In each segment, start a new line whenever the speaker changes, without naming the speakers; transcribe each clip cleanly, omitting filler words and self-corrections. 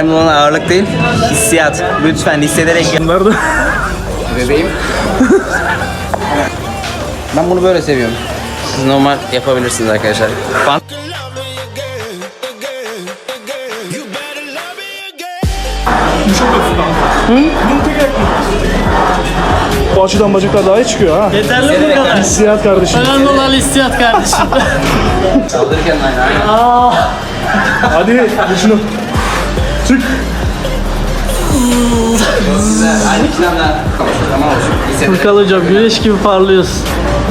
önemli olan ağırlık değil, hissiyat. Lütfen hissederek.
Nerede?
Bebeğim. Ben bunu böyle seviyorum. Siz normal yapabilirsiniz arkadaşlar.
Bu açıdan bacaklar daha iyi çıkıyor ha.
Yeterli bu kadar.
Hissiyat kardeşim.
Önemli olan hissiyat kardeşim.
Saldırırken aynen.
Hadi şunu. Çık.
Güzel. Aynı işlemler. Tamam olsun. Hissederek.
Furkan hocam güneş gibi parlıyorsun.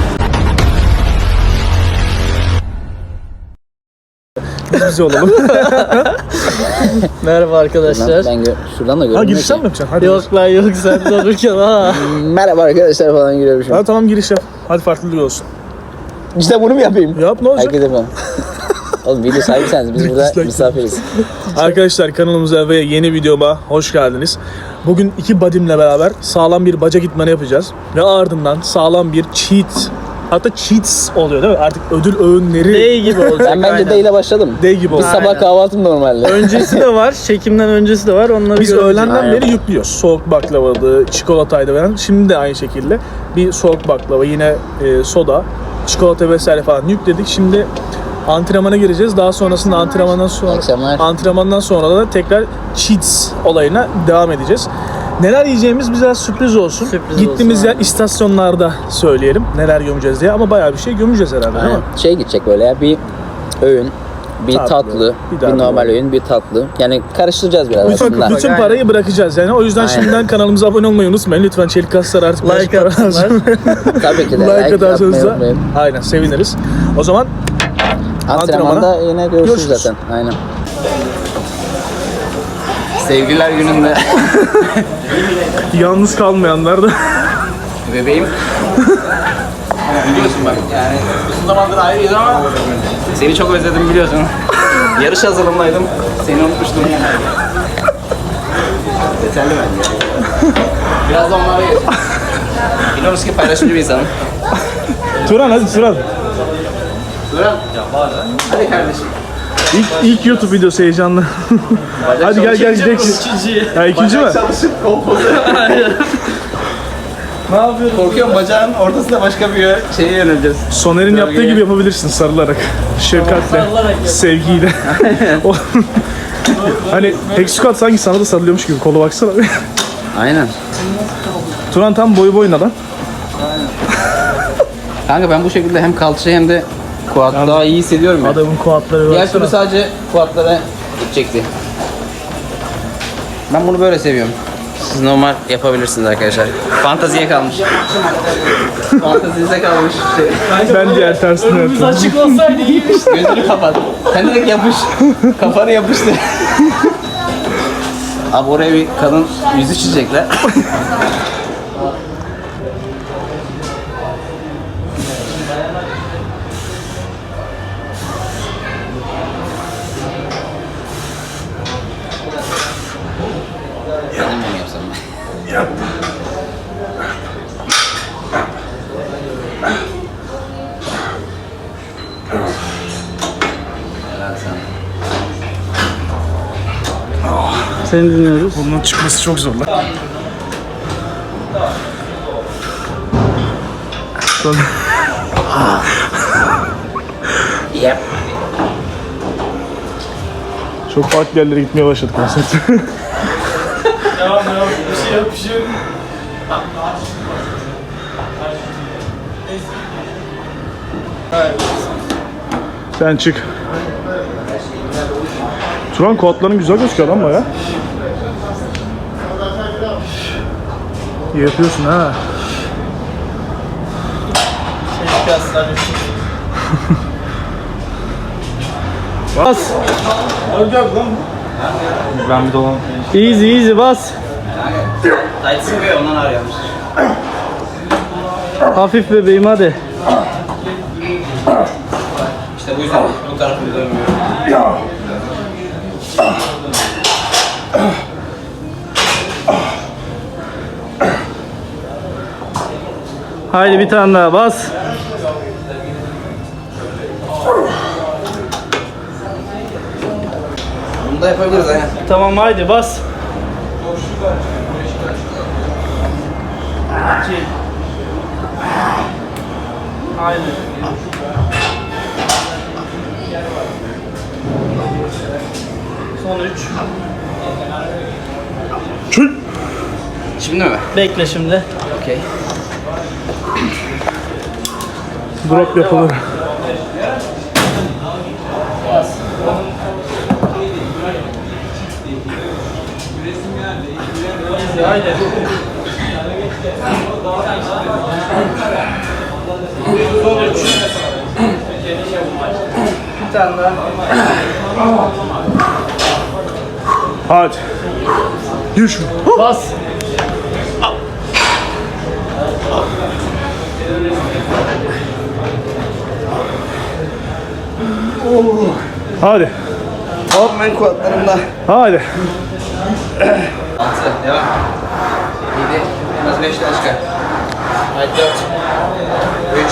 Biz olalım.
Merhaba arkadaşlar.
Şuradan da
Ha
görünmüyor
girişten mi yapacaksın? Hadi.
Yok lan yok sen de olurken ha.
Merhaba arkadaşlar falan giriyormuşum.
Ha tamam giriş yap. Hadi farklılık olsun.
İşte bunu mu yapayım?
Yap ne olacak?
Herkese falan. Oğlum video sahibiseniz biz burada
Dislike.
misafiriz.
Arkadaşlar kanalımıza ve yeni videoma hoş geldiniz. Bugün iki badimle beraber sağlam bir bacak idmanı yapacağız. Ve ardından sağlam bir cheat. Hatta cheats oluyor değil mi? Artık ödül öğünleri.
Day gibi olacak.
Ben bence
aynen.
D ile başladım.
D gibi oldu.
Biz sabah kahvaltım normalde.
Öncesi de var, çekimden öncesi de var. Onları
Biz
göreceğiz.
öğlenden
Aynen.
beri yüklüyoruz. Soğuk baklavaydı, çikolataydı falan. Şimdi de aynı şekilde bir soğuk baklava, yine soda, çikolata vesaire falan yükledik. Şimdi antrenmana gireceğiz. Daha sonrasında
Akşamlar.
antrenmandan sonra da tekrar cheats olayına devam edeceğiz. Neler yiyeceğimiz bize sürpriz olsun.
Sürpriz
Gittiğimiz
olsun,
yer istasyonlarda söyleyelim neler gömeceğiz diye, ama bayağı bir şey gömeceğiz herhalde değil mi?
Aynen. Şey gidecek böyle ya, bir öğün, bir tatlı, bir normal öğün, bir tatlı. Yani karıştıracağız biraz aslında.
Bütün parayı bırakacağız yani. O yüzden
Aynen.
şimdiden kanalımıza abone olmayı unutmayın. Lütfen Çelik Kaslar artık
Like
para
atsınlar.
lazım.
Tabii ki de
Like
like
atarsanız
atmayı
da
unutmayın.
aynen seviniriz. O zaman
Antrenmanda yine görüşürüz
görüşürüz.
zaten. Aynen. Sevgililer gününde
yalnız kalmayanlar da
bebeğim. Biliyorsun bak yani uzun zamandır ayrıyız ama seni çok özledim biliyorsun. Yarış hazırlığındaydım. Seni unutmuştum. Yeterli bence. Biraz da onlara geçelim. Biliyoruz ki paylaşımcı bir insanım.
Turan hadi Turan.
Duran. Hadi kardeşim.
İlk YouTube videosu heyecanlı. Hadi gel gidelim.
İkinci.
Ha ikinci mi?
Çalışıp kompoze.
Ne yapıyorsun?
Korkuyorum, bacağın ortasında başka bir şeye yöneleceğiz.
Soner'in yaptığı gibi yapabilirsin, sarılarak, şefkatle,
sarılarak yap.
sevgiyle. O- hani Hexukat sanki sana da sarılıyormuş gibi, kolu baksana.
Aynen.
Turan tam boyu boyuna lan.
Kanka ben bu şekilde hem kalça hem de quad daha iyi hissediyorum ya.
Adamın kuatları
Diğer
baksana.
türlü sadece quadlara gidecekti. Ben bunu böyle seviyorum. Siz normal yapabilirsiniz arkadaşlar. Fantaziye kalmış. Fantazinize kalmış şey.
Ben diğer tersini
Önümüz
yapıyorum.
açık olsaydı iyiymiş.
Gözünü kapat. Sen direkt yapış. Kafanı yapıştı. Abi oraya bir kadın yüzü çizecekler. Kendim mi yapsam ben? Helal sana.
Seni dinliyoruz.
Bunun çıkması çok zor lan.
Yep.
Çok farklı yerlere gitmeye başladık konsept.
Devam. Bir şey yok.
Sen çık. Turan kuatların güzel gözüküyor lan baya. İyi yapıyorsun ha.
Bas.
Ben bir dolan.
Easy bas.
Tight sıkıyor ondan arıyormuş.
Hafif bebeğim hadi.
İşte bu yüzden bu tarafı dönmüyor.
Haydi bir tane daha bas.
Bunu da yapabiliriz aynen.
Tamam haydi bas. 2. Haydi. Son 3.
Çül.
Şimdi mi?
Bekle şimdi.
Okey.
Drop yapılır.
Haydi. Son 3. Bir tane daha.
Hadi. Yürü şunu.
Bas.
Hadi.
Hop ben kuatlarımda.
Hadi.
6, devam. 7, en az 5 tane çıkar. Haydi 4, 3,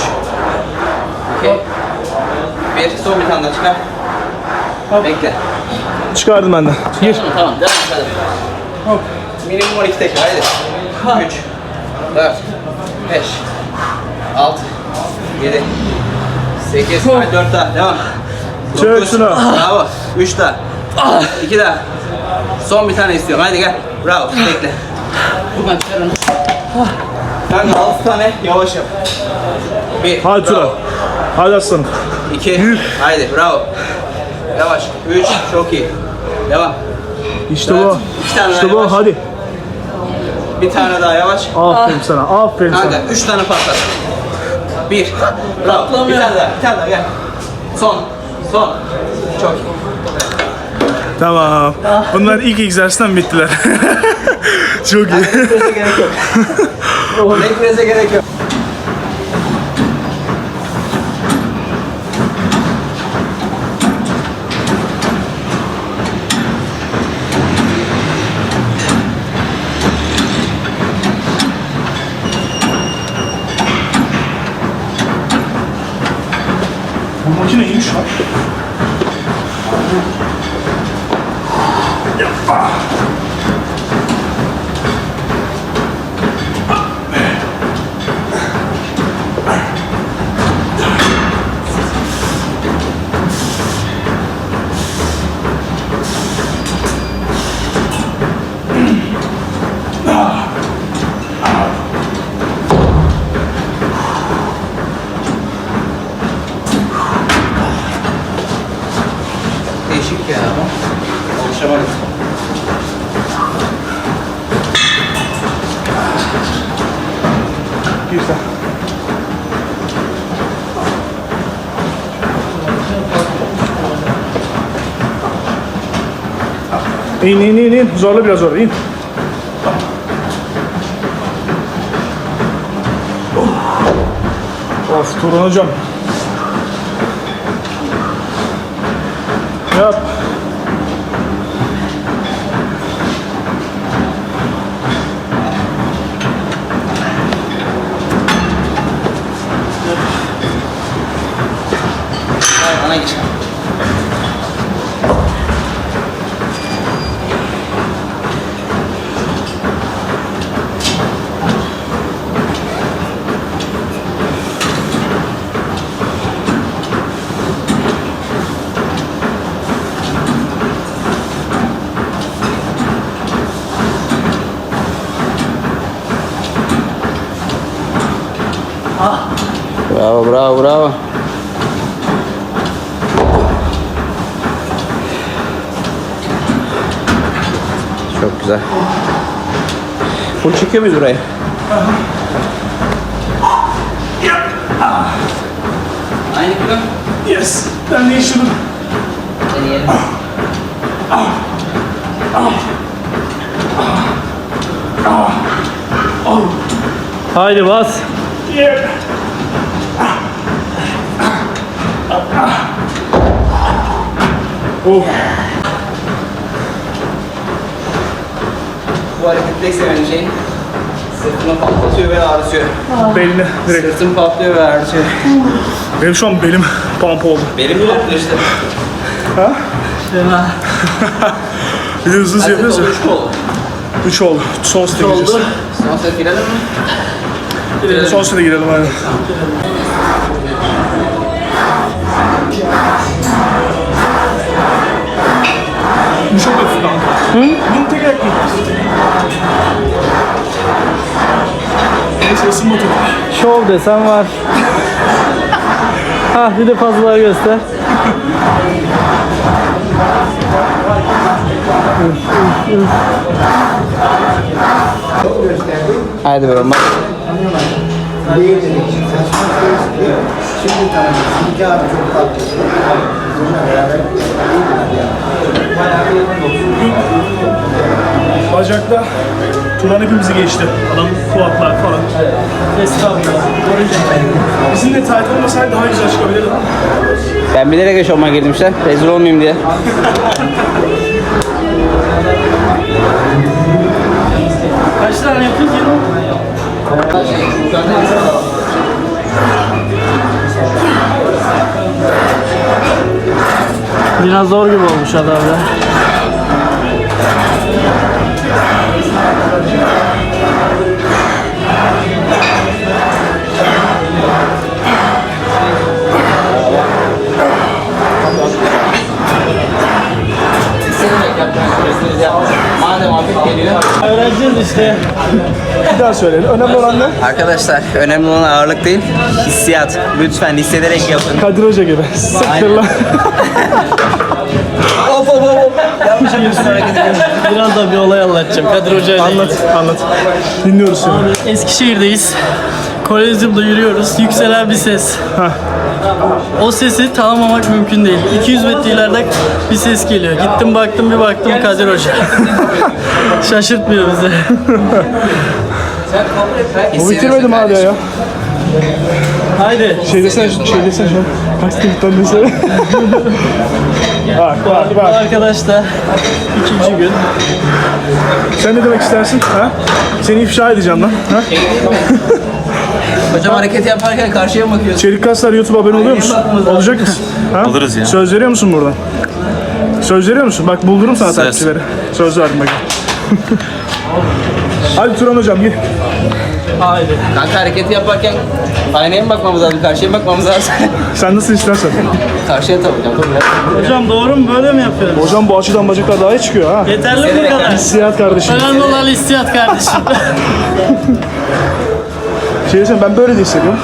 2, 1, son bir tane daha çıkar. Bekle.
Çıkardım ben de. Gir.
Tamam, devam et hadi. Minimum 12 tekrar, haydi. 3, 4, 5, 6, 7, 8, haydi 4 daha, devam.
Çök
9,
şunu.
bravo. 3 daha, 2 daha. Son bir tane istiyorum, haydi gel. Bravo, bekle. Buradan çıkar onu. Kanka 6 tane yavaş yap. 1,
Hadi Tura. Hadi aslanım.
2, haydi bravo. Yavaş. 3, çok iyi. Devam.
İşte
Evet,
bu.
iki tane
İşte
daha
bu.
yavaş.
Hadi.
Bir tane daha yavaş.
Aferin sana. Aferin
Kanka
sana.
3 tane patlat. 1, bravo. Bir tane daha gel. Son. Çok iyi.
Tamam. Bunlar ilk egzersizden bittiler. Çok iyi.
Nefese gerek yok. Nefese gerek yok.
Bu makine iyiymiş lan.
Değişik ya ama. Alışamadım.
Güzel. İn. Zorla biraz zorla. İn. Of Turan hocam. Yap.
Hayır, bana geç. Bravo. Çok güzel. Full çekiyor muyuz burayı? Aynı kilo.
Yes. Ben değiştirdim.
Deneyelim.
Haydi bas.
Yeah. Oh.
Bu harekette sevdiğim şey sırtımı patlatıyor ve ağrıtıyor.
Belini direkt.
Sırtım patlıyor ve ağrıtıyor.
Benim şu an belim pump oldu.
Benim patlıyor işte.
Ha?
Fena.
Bir de hızlı yapıyoruz ya.
3 oldu.
3 oldu. Son sete gireceğiz.
Son set girelim mi?
Son sete girelim aynen. Bu çok hafif kanka. Bunu tek ayak yapıyoruz. Neyse ısınma topu.
Şov desen var. Ha bir de fazlaları göster.
Haydi bakalım bak.
Şimdi tanımıyorsun. İki abi çok tatlı. Bununla beraber
Bacakta Turan hepimizi geçti. Adam kuatlar falan. Estağfurullah. Bizim de tight olmasaydı daha güzel çıkabilirdi.
Ben bilerek eşofman girdim işte. Rezil olmayayım diye.
Kaç tane yapıyoruz ya? Biraz zor gibi olmuş adam ya.
Madem hafif geliyor.
Öğreneceğiz işte.
Bir daha söyleyelim. Önemli olan ne?
Arkadaşlar önemli olan ağırlık değil, hissiyat. Lütfen hissederek yapın.
Kadir Hoca gibi. Sıkır lan.
Hop hop hop. Yanlış yapıyorsun hareket ediyorsun.
Biraz da bir olay anlatacağım. Kadir Hoca ile
Anlat, anlat. Dinliyoruz seni.
Abi Eskişehir'deyiz. Kolezyumda yürüyoruz. Yükselen bir ses. O sesi tanımamak mümkün değil. 200 metre ileride bir ses geliyor. Gittim baktım bir baktım Kadir Hoca. Şaşırtmıyor bizi.
Bu bitirmedim abi ya.
Haydi.
Şey desene şu an. Kaç tweetten desene. Bak bak
Bu
bak.
arkadaş da 2. gün.
Sen ne demek istersin? Ha? Seni ifşa edeceğim lan. Ha?
Hocam hareket yaparken karşıya mı bakıyorsun?
Çelik Kaslar YouTube abone oluyor musun? Olacak mısın? Ha?
Oluruz ya.
Söz veriyor musun buradan? Söz veriyor musun? Bak buldurum sana takipçileri. Söz verdim bak. Hadi Turan hocam gir.
Haydi.
Kanka hareketi yaparken aynaya mı bakmamız lazım, karşıya mı bakmamız lazım?
Sen nasıl istersen.
Karşıya tabii hocam. Dur biraz.
Hocam doğru mu? Böyle mi yapıyoruz?
Hocam bu açıdan bacaklar daha iyi çıkıyor ha.
Yeterli mi bu kadar?
Hissiyat kardeşim.
Önemli olan hissiyat kardeşim.
Şey desene ben böyle de hissediyorum.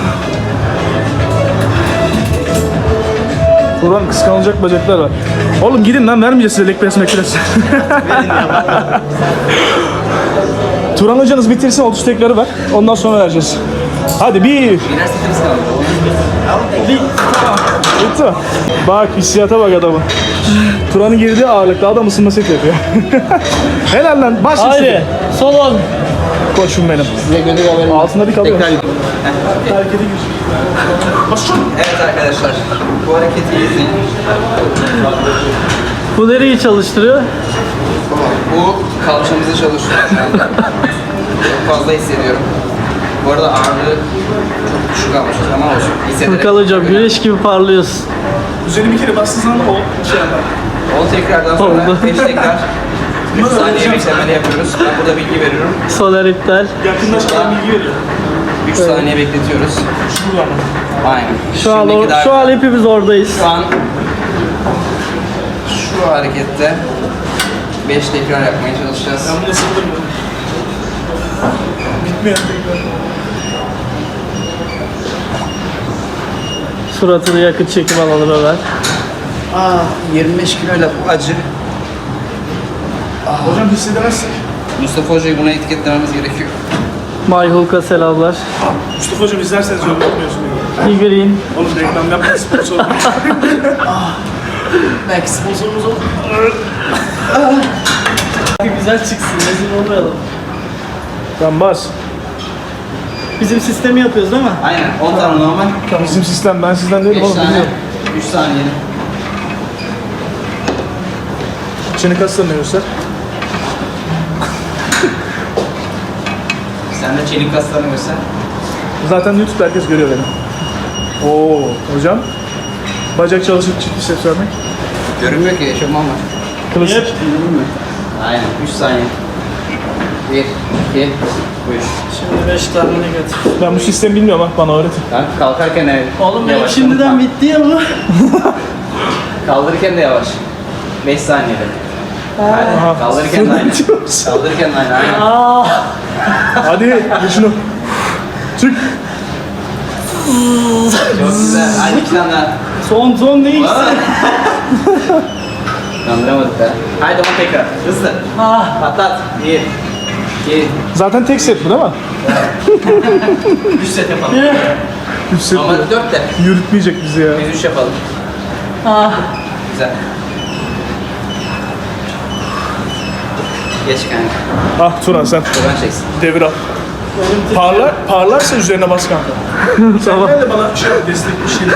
Turan kıskanılacak bacaklar var. Oğlum gidin lan vermeyeceğiz size leg press makinesi. Turan hocanız bitirsin 30 tekleri ver. Ondan sonra vereceğiz. Hadi bir.
Birer setimiz kaldı.
Bitti mi? Bak hissiyata bak adamı. Turan'ın girdiği ağırlıkta adam ısınma set yapıyor. Helal lan başla.
Haydi. Son 10.
Koçum benim.
Size gönderi haberim.
Altında bir kalıyor.
Tekrar gidiyorum.
Harekete gir. Basın.
Evet arkadaşlar. Bu hareketi izleyin.
Bu nereyi çalıştırıyor?
Bu kalçamızı çalıştırıyor şu anda. Çok fazla hissediyorum. Bu arada ağırlığı çok düşük almışız ama olsun. Hissederek.
Furkan hocam güneş gibi parlıyorsun.
Üzerine bir kere bastığın zaman o şey yapar.
10 tekrardan sonra
Oldu.
5 tekrar 3 saniye beklemeli yapıyoruz. Ben burada bilgi veriyorum.
Soner iptal.
Yakınlaşmadan bilgi veriyor.
3 saniye bekletiyoruz.
Şuradan.
Aynen.
Şu an,
Şimdiki daha-
şu an hepimiz oradayız.
Şu an şu harekette 5 tekrar yapmaya çalışacağız.
Ben bunu ısındırmıyorum. Bitmeyen tekrar.
Suratını yakın çekim alalım hemen.
25 kiloyla bu acı.
Hocam hissedemezsek.
Mustafa Hoca'yı buna etiketlememiz gerekiyor.
Mayhulka selamlar.
Mustafa hocam izlerseniz öyle yapmıyorsun.
Figürün.
Oğlum reklam yapma sponsor.
Belki sponsorumuz olur.
Güzel çıksın, rezil olmayalım.
Tamam bas.
Bizim sistemi yapıyoruz değil mi?
Aynen 10 tane normal.
Bizim sistem ben sizden değilim
5
oğlum.
tane
Biliyorum.
3 saniye.
Çeni kaslarını göster.
Sen de çelik kaslarını göster.
Zaten YouTube'da herkes görüyor beni. Oo hocam. Bacak çalışıp çift biceps vermek.
Görünmüyor ki eşofman var.
Klasik.
Aynen 3 saniye. 1, 2, 3.
Şimdi 5 tane negatif.
Ben bu sistemi bilmiyorum, bak bana öğretin.
Kanka kalkarken de
Oğlum benim
yavaş,
şimdiden
unutma.
bitti ya bu.
Kaldırırken de yavaş. 5 saniyede. Hadi kaldırırken de aynı. Kaldırırken de aynı. Aynen.
Hadi ye şunu. Çık.
Çok güzel. Hadi 2 tane daha.
Son ne ikisi?
Kandıramadık da. Haydi ama tekrar. Hızlı. Patlat. 1, 2,
Zaten tek set bu değil mi?
3 set yapalım.
3 set
Ama 4 de.
yürütmeyecek bizi ya.
Biz 3 yapalım. Güzel. Geç kanka.
Ah Turan sen
Buradan çeksin.
devir al. Parlarsa üzerine bas kanka. Tamam. Sen de bana şey destek bir şeyler.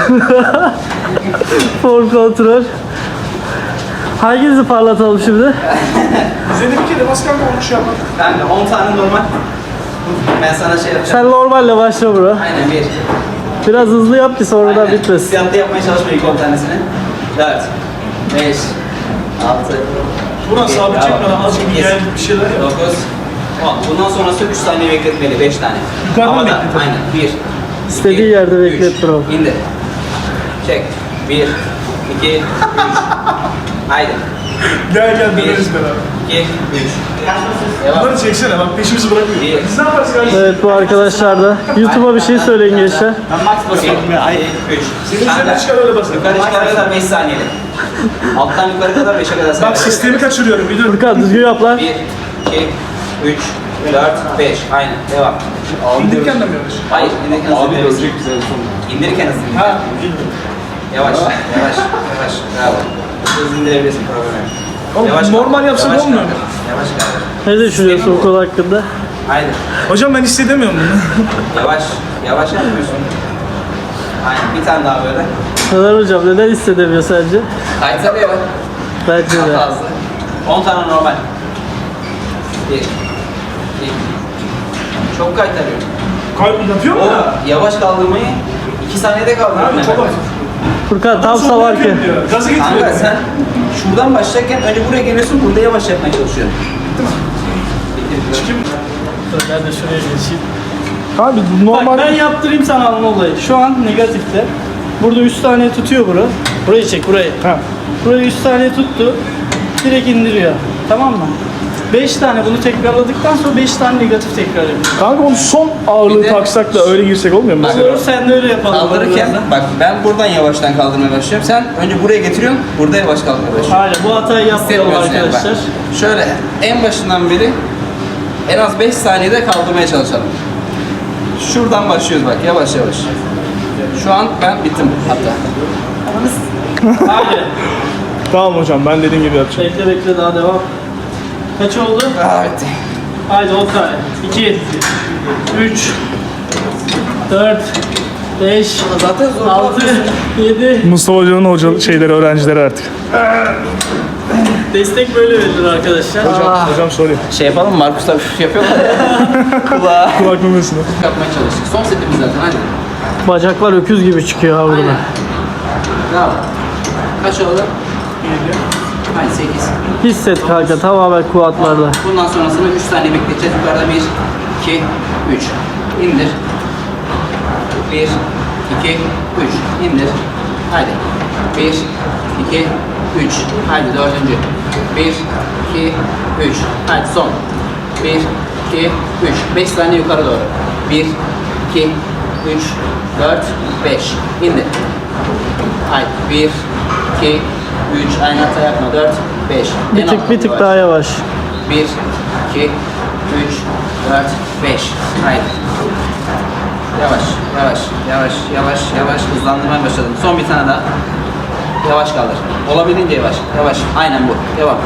For kontrol. Hanginizi parlatalım şimdi?
Üzerine bir kere bas kanka, onu şey yapar.
Kanka 10 tane normal. Ben sana şey yapacağım.
Sen normalle başla bro.
Aynen 1.
Biraz hızlı yap ki sonradan
Aynen.
bitmesin.
Hissiyatlı yapmaya çalışma ilk 10 tanesini. 4, 5, 6,
Turan sabit çekmeden azıcık bir gel bir şeyler yap.
9, 10. Bundan sonrası 3 saniye bekletmeli, 5 tane.
Yukarıdan
Havada,
bekletelim.
Aynen. 1,
İstediği yerde beklet bro.
İndir. Çek. 1, 2, 3. Haydi.
Gel
Bir.
döneriz beraber.
2, 3. Devam.
Bunları çeksene, bak peşimizi bırakmıyor.
Bir.
Biz ne yaparız kardeşim?
Evet bu arkadaşlar da. YouTube'a bir şey söyleyin gençler.
Ben max basıyorum ya. 3.
Senin üzerine çıkar öyle basın.
Yukarı çıkana kadar 5 saniyeli. Alttan yukarı kadar 5'e kadar
Bak
sayalım.
sistemi kaçırıyorum, bir dur.
Furkan düzgün yap lan.
1, 2, 3, 4, 5. Aynen. Devam.
İndirirken de mi yanlış?
Hayır. İndirirken hızlı indirebilirsin. İndirirken hızlı indir.
Ha,
Yavaş. Yavaş. Yavaş. Bravo. Hızlı indirebilirsin. Problem yok.
Oğlum,
Yavaş
normal
kaldır,
yapsak
yavaş
olmuyor mu?
kaldır, Yavaş kaldır.
Ne düşünüyorsun bu konu hakkında?
Haydi.
Hocam ben hissedemiyorum bunu.
Yavaş. Yavaş yapıyorsun. Aynen. Bir tane daha böyle.
Neler hocam neden hissedemiyor sence?
Kaytarıyor.
Bence
Daha
de.
fazla. 10 tane normal. 1, 2. Çok kaytarıyor.
Kalp yapıyor mu
O
ya?
yavaş kaldırmayı 2 saniyede kaldırıyor.
Abi çok hafif.
Furkan tam
Sonra
savarken.
yapıyorum diyor. Gazı
Kanka
getiriyor.
sen şuradan başlarken önce buraya geliyorsun, burada yavaş yapmaya çalışıyorsun. Bitti.
Ben de şuraya geçeyim.
Abi
Bak
normal...
ben yaptırayım sana anın olayı. Şu an negatifte. Burada 3 saniye tutuyor bura. Burayı çek burayı.
Ha.
Burayı 3 saniye tuttu. Direkt indiriyor. Tamam mı? 5 tane bunu tekrarladıktan sonra 5 tane negatif tekrar yapıyor.
Kanka onu son ağırlığı
Bir de-
taksak da öyle girsek olmuyor mu mesela?
Olur sen de öyle yapalım.
Kaldırırken,
birazdan.
bak ben buradan yavaştan kaldırmaya başlıyorum. Sen önce buraya getiriyorsun, burada yavaş kaldırmaya başlıyorsun.
Aynen bu hatayı yapmayalım
Hissetmiyorsun yani, bak.
arkadaşlar.
Şöyle en başından beri en az 5 saniyede kaldırmaya çalışalım. Şuradan başlıyoruz bak yavaş yavaş. Şu an ben bittim hatta.
Haydi.
Tamam hocam, ben dediğim gibi yapacağım.
Bekle daha devam. Kaç oldu?
Aa, bitti.
Haydi 10 tane. 2, 3, 4, 5,
Zaten zor.
6, 7.
Mustafa Hoca'nın şeyleri, öğrencileri artık.
Destek böyle verilir arkadaşlar.
Hocam sorayım.
Şey yapalım mı? Markus'la üf yapıyorlar ya. Kulağa.
Kulak memesine.
Yapmaya çalıştık. Son setimiz zaten hadi.
Bacaklar öküz gibi çıkıyor ha burada.
Aynen. Bravo. Kaç oldu? 7. Hayır 8.
Hisset kanka tamamen kuatlarda.
Bundan sonrasını 3 saniye bekleteceğiz. Yukarıda 1, 2, 3. İndir. 1, 2, 3. İndir. Haydi. 1, 2, 3. Haydi dördüncü. 1, 2, 3. Haydi son. 1, 2, 3. 5 saniye yukarı doğru. 1, 2, 3, 4, 5. İndir. Haydi. 1, 2, 3. Aynı hata yapma. 4, 5.
Bir tık daha yavaş.
1, 2, 3, 4, 5. Haydi. Yavaş hızlandırmaya başladım. Son bir tane daha. Yavaş kaldır. Olabildiğince yavaş. Aynen bu. Devam.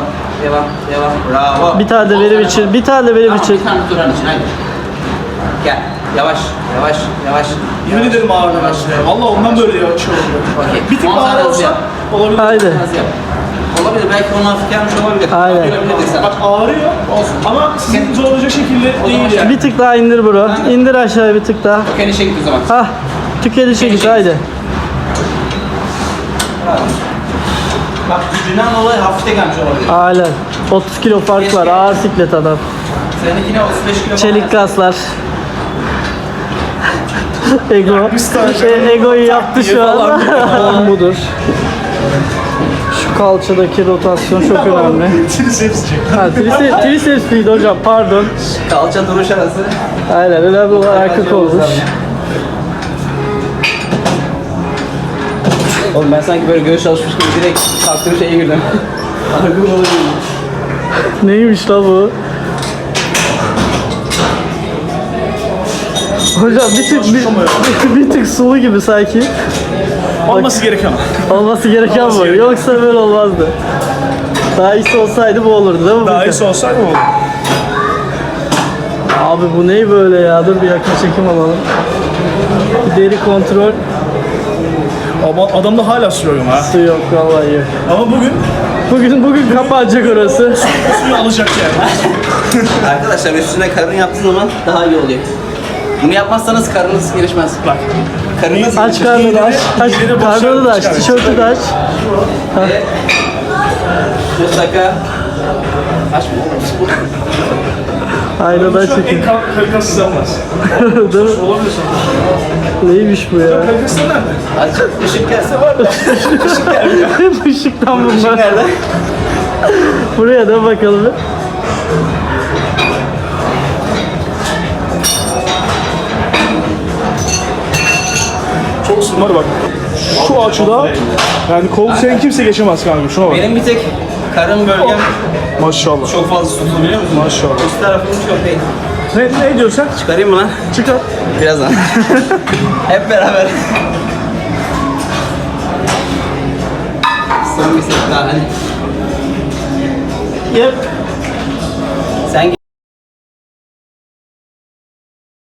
Bravo.
Bir tane de benim için. Bir tane de benim
Tamam,
için.
bir tane Turan için haydi. Gel. Yavaş.
Yemin ederim ağır
Yavaş.
Valla ondan böyle ya şey oluyor.
Okey.
Bir tık
10 tane
ağır
hızlı
olsa
yap.
olabilir.
Haydi.
Hızlı yap. Olabilir. Belki onu hafif gelmiş olabilir.
Aynen.
Görebilirdik sana.
Bak ağrıyor
Olsun.
ama sizin zorlayacak şekilde
O zaman
değil yani.
Bir tık daha indir bro. İndir aşağıya bir tık daha.
Kenişe git o zaman.
Hah. Tükenişe git haydi.
Bak gücünden dolayı hafifte gelmiş olabilir.
Aynen. 30 kilo fark var. Ağır siklet adam.
Seninkine 35 kilo
Çelik kaslar. Ego. Egoyu yaptı şu an. Olan budur. Şu kalçadaki rotasyon çok önemli.
Triceps çek.
Ha, triceps miydi hocam? Pardon.
Kalça duruş arası.
Aynen. Önemli olan arka kolmuş.
Oğlum ben sanki böyle göğüs çalışmış gibi direkt kalktığım şeye girdim. Argım oluyor.
Neymiş la bu? Hocam bir tık sulu gibi sanki.
Olması gereken o.
Olması gereken bu. Yoksa böyle olmazdı. Daha iyisi olsaydı bu olurdu değil mi?
Daha
Furkan?
iyisi olsaydı mı olur?
Abi bu ne böyle ya? Dur bir yakın çekim alalım. Bir deri kontrol.
Ama adamda hala su yok ha.
Su yok vallahi yok.
Ama
Bugün kapanacak orası.
suyu alacak yani.
Arkadaşlar üstüne karın yaptığı zaman daha iyi oluyor. Bunu yapmazsanız karnınız gelişmez.
Bak.
Karınız
Aç karnını da aç. Aç
İğneleri
karnını da aç.
boşalt,
Tişörtü de aç.
ve mutlaka açma.
Aynadan
Şu an
çekin.
en kalitesiz sen varsın.
Değil mi?
Olabilirsin.
Neymiş bu ya?
Kalitesiz nerede?
Aç. Işık gelse var da. Işık gelmiyor.
Hep ışıktan
Işık
bunlar.
nerede?
Buraya da bakalım. Bir.
Çok ısınlar bak. Şu açıda yani kol sen kimse geçemez kanka şuna bak.
Benim bir tek karın bölgem
Maşallah.
çok fazla tutuldu biliyor musun?
Maşallah.
Üst tarafım çok değil.
Ne diyorsun sen?
Çıkarayım mı lan?
Çıkar.
Birazdan. Hep beraber. Son bir set daha hani.
Yep.